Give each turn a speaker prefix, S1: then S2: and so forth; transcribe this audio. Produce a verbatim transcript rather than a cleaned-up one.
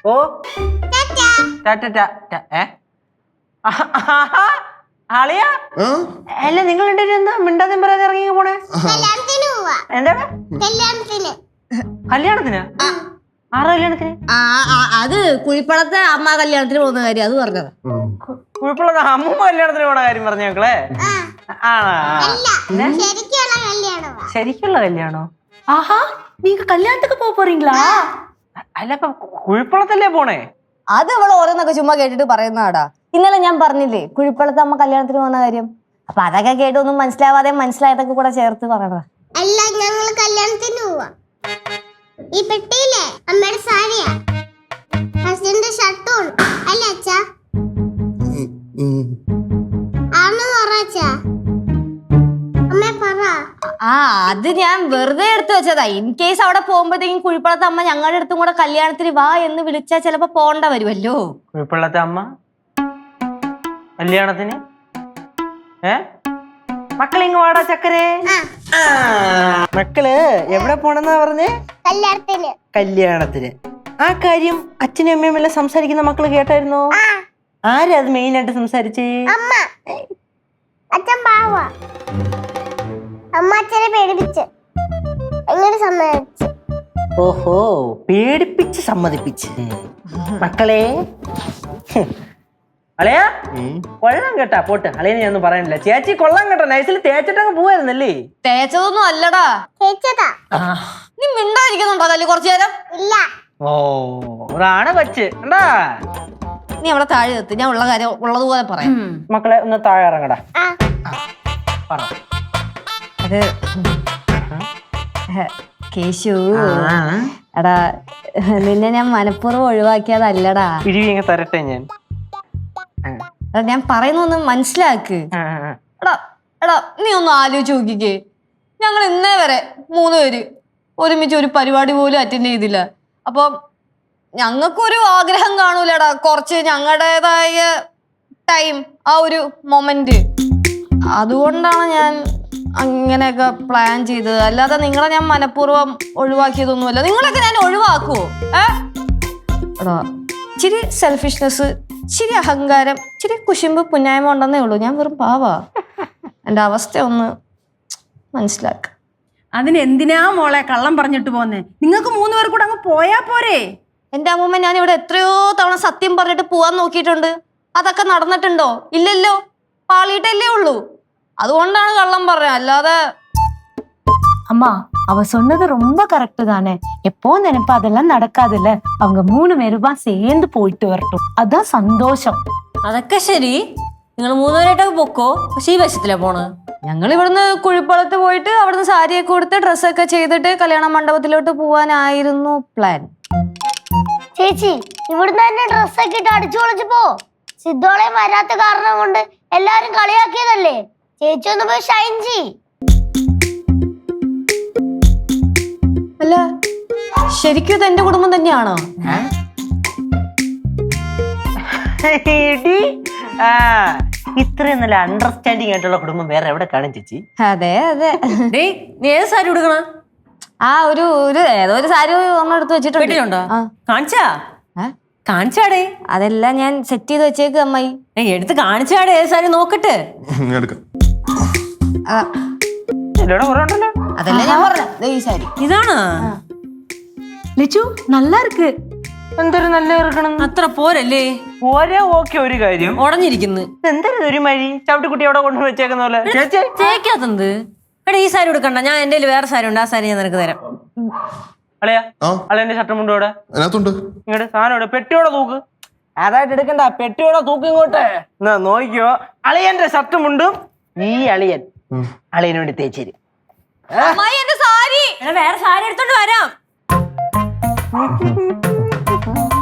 S1: ഓ ആളിയാ അല്ല നിങ്ങൾ എന്താ മിണ്ടാതെ പറയാതെ ഇറങ്ങി പോണേ? എന്താണ് കല്യാണത്തിന്? ആറ് കല്യാണത്തിന്?
S2: അത് കുഴിപ്പളത്തെ അമ്മ കല്യാണത്തിന് പോകുന്ന കാര്യം അത് പറഞ്ഞത്.
S1: കുഴിപ്പളത്തെ അമ്മൂമ്മ കല്യാണത്തിന് പോണ കാര്യം പറഞ്ഞ മക്കളെ? ശരിക്കുള്ള കല്യാണോ?
S3: ആഹാ നീങ്ക കല്യാണத்துக்கு പോക പോறீங்களா?
S1: അല്ല ഇപ്പൊ കുഴിപ്പളത്തല്ലേ പോണേ?
S2: അത് അവൾ ഓരോന്നൊക്കെ ചുമ്മാ കേട്ടിട്ട് പറയുന്നതാടാ. ഇന്നലെ ഞാൻ പറഞ്ഞില്ലേ കുഴിപ്പളത്തെ അമ്മ കല്യാണത്തിന് പോകുന്ന കാര്യം. അപ്പൊ അതൊക്കെ കേട്ടൊന്നും മനസ്സിലാവാതെ മനസ്സിലായതൊക്കെ കൂടെ ചേർത്ത് പറയണതാ.
S4: അല്ല ഞങ്ങൾ കല്യാണത്തിന് പോവാ. ഈ പെട്ടിയിലെ അമ്മയുടെ സാരിയാ, ഹസ്ബൻഡിന്റെ ഷർട്ടും അല്ല അച്ഛാ? ആണെന്ന് പറ അച്ഛാ. അമ്മേ പറ.
S2: ആ അത് ഞാൻ വെറുതെ എടുത്തു വെച്ചതാ. ഇൻ കേസ് അവിടെ പോകുമ്പോഴത്തേക്കും കുഴിപ്പളത്തെ അമ്മ ഞങ്ങളുടെ അടുത്തും കൂടെ കല്യാണത്തിന് വാ എന്ന് വിളിച്ചാൽ ചിലപ്പോ പോണ്ട വരുമല്ലോ.
S1: കുഴിപ്പള്ളത്തെ അമ്മ കല്യാണത്തിന്? ഏ മക്കളിങ് വാടാ ചക്കരേ. മക്കള് എവിടെ പോണെന്നാ പറഞ്ഞേ?
S4: കല്യാണത്തിന്.
S1: കല്യാണത്തിന്. ആ കാര്യം അച്ഛനും അമ്മയും എല്ലാം സംസാരിക്കുന്ന മക്കള് കേട്ടായിരുന്നോ? ആരാ അത് മെയിൻ ആയിട്ട് സംസാരിച്ചേ?
S4: അമ്മ. അച്ഛൻ പാവാ. അമ്മ അച്ഛനെ പേടിപ്പിച്ച് എങ്ങനെ സമ്മതിച്ചു?
S1: ഓഹോ പേടിപ്പിച്ച് സമ്മതിപ്പിച്ച്. മക്കളെ അളയാ കൊള്ളാം കേട്ടാ. പോട്ട് അളയനെ ഞാനൊന്നും പറയാനില്ല. ചേച്ചി കൊള്ളാം കേട്ടോ. നൈസിൽ തേച്ചിട്ടങ്ങ് പോവായിരുന്നല്ലേ?
S2: തേച്ചതൊന്നും അല്ലടാ.
S4: തേച്ചതാ.
S2: നീ മിണ്ടായിരിക്കുന്നുണ്ടോ കല്ല് കുറച്ചു നേരം?
S4: ഇല്ല.
S1: ഓ ഒരാണ് വെച്ച് എന്താ?
S2: നീ അവിടെ താഴെ എത്തി. ഞാൻ ഉള്ള കാര്യം ഉള്ളതുപോലെ പറയാം.
S1: മക്കളെ ഒന്ന് താഴെ ഇറങ്ങടാ. പറ.
S2: അത് കേശു എടാ നിന്നെ ഞാൻ മനഃപൂർവ്വം ഒഴിവാക്കിയതല്ലടാ.
S1: ഇഴിവിങ്ങ തരട്ടെ ഞാൻ.
S2: ഞാൻ പറയുന്നൊന്ന് മനസ്സിലാക്ക്. എടാ എടാ നീ ഒന്ന് ആലോചിച്ച് നോക്കിക്കേ. ഞങ്ങൾ ഇന്നേ വരെ മൂന്ന് പേര് ഒരുമിച്ച് ഒരു പരിപാടി പോലും അറ്റൻഡ് ചെയ്തില്ല. അപ്പം ഞങ്ങൾക്കൊരു ആഗ്രഹം കാണൂലടാ കുറച്ച് ഞങ്ങളുടേതായ ടൈം, ആ ഒരു മൊമെന്റ്. അതുകൊണ്ടാണ് ഞാൻ അങ്ങനെയൊക്കെ പ്ലാൻ ചെയ്തത്. അല്ലാതെ നിങ്ങളെ ഞാൻ മനഃപൂർവ്വം ഒഴിവാക്കിയതൊന്നുമല്ല. നിങ്ങളൊക്കെ ഞാൻ ഒഴിവാക്കുവോ? ഏ എടാ ഇച്ചിരി സെൽഫിഷ്നെസ്, ഇച്ചിരി അഹങ്കാരം, ഇച്ചിരി കുശുമ്പ് പുന്നായ്മ ഉണ്ടെന്നേ ഉള്ളൂ. ഞാൻ വെറും പാവാ. എൻ്റെ അവസ്ഥ ഒന്ന് മനസ്സിലാക്ക.
S3: അതിന് എന്തിനാ മോളെ കള്ളം പറഞ്ഞിട്ട് പോന്നെ? നിങ്ങൾക്ക് മൂന്ന് പേർ കൂടെ അങ്ങ് പോയാ പോരെ?
S2: എൻ്റെ അമ്മൂമ്മ ഞാൻ ഇവിടെ എത്രയോ തവണ സത്യം പറഞ്ഞിട്ട് പോവാൻ നോക്കിയിട്ടുണ്ട്. അതൊക്കെ നടന്നിട്ടുണ്ടോ? ഇല്ലല്ലോ. പാളിയിട്ടല്ലേ ഉള്ളൂ. അതുകൊണ്ടാണ് കള്ളം പറഞ്ഞത്. അല്ലാതെ
S5: அம்மா அவ சொன்னது ரொம்ப கரெக்ட் தானே. எப்போ நினைப்பா அதெல்லாம் நடக்காதுல்ல. அவங்க மூணு பேருமா சேர்ந்து போயிட்டு வரட்டும், அதான் சந்தோஷம்.
S2: അതൊക്കെ ശരി. നിങ്ങൾ മൂന്നുപേരായിട്ടൊക്കെ പൊക്കോ. പക്ഷെ ഈ വശത്തിലാ പോണ്. ഞങ്ങൾ ഇവിടുന്ന് കുഴിപ്പളത്ത് പോയിട്ട് അവിടുന്ന് സാരിയൊക്കെ കൊടുത്ത് ഡ്രസ്സൊക്കെ ചെയ്തിട്ട് കല്യാണ മണ്ഡപത്തിലോട്ട് പോവാനായിരുന്നു പ്ലാൻ.
S4: ചേച്ചി ഇവിടുന്ന് തന്നെ ഡ്രസ്സൊക്കെ ഇട്ട് അടിച്ചു പൊളിച്ചു പോ. സിദ്ധോളയും വരാത്ത കാരണം കൊണ്ട് എല്ലാരും കളിയാക്കിയതല്ലേ. ചേച്ചി ഒന്ന് പോയി ഷൈൻ ചെയ്.
S2: അല്ല ശരിക്കും ഇത് എന്റെ കുടുംബം തന്നെയാണോ?
S1: ഇത്രയും നല്ല അണ്ടർസ്റ്റാൻഡിങ് ആയിട്ടുള്ള കുടുംബം വേറെ എവിടെ കാണും ചേച്ചി?
S2: അതെ അതെ. നീ ഏത് സാരി ഉടുക്കണ? ആ ഒരു ഒരു ഏതോ ഒരു സാരി ഒന്നും എടുത്ത് വെച്ചിട്ടുണ്ടോ?
S3: കാണിച്ചാ കാണിച്ചാടേ?
S2: അതെല്ലാം ഞാൻ സെറ്റ് ചെയ്ത് വെച്ചേക്ക് അമ്മായി.
S3: എടുത്ത് കാണിച്ചാടേ ഏത് സാരി നോക്കട്ടെ.
S2: അതല്ല ഞാൻ പറഞ്ഞ ഈ സാരി
S3: ഇതാണ്.
S5: லிச்சு நல்லா இருக்கு.
S1: എന്തൊരു നല്ല ഇറക്കണം.
S3: അത്ര പോരല്ലേ?
S1: പോരാ. ഓക്കെ ഒരു കാര്യം
S3: ഉടഞ്ഞിരിക്കുന്നു.
S1: എന്തൊരു ഒരു മഴി ചവിട്ടിക്കുട്ടി അവിടെ കൊണ്ടു വെച്ചേക്കുന്ന പോലെ.
S3: തേക്കാത്തത്. എടാ ഈ സാരി എടുക്കണ്ട. ഞാൻ എന്റെ വേറെ സാരി ഉണ്ട്. ആ സാരി ഞാൻ നിനക്ക് തരാം.
S1: അളയാ അളയന്റെ ഷർട്ടും മുണ്ടും ഇവിടെ ഇങ്ങോട്ട് സാധനം ഇവിടെ പെട്ടിയോടെ തൂക്ക്. അതായിട്ട് എടുക്കണ്ട. പെട്ടിയോടെ തൂക്ക് ഇങ്ങോട്ട്. എന്നാ നോക്കിയോ അളിയന്റെ ഷർട്ടും മുണ്ടും ഈ അളിയൻ അളിയന് വേണ്ടി തേച്ചേരി.
S3: വേറെ സാരി എടുത്തോണ്ട് വരാം.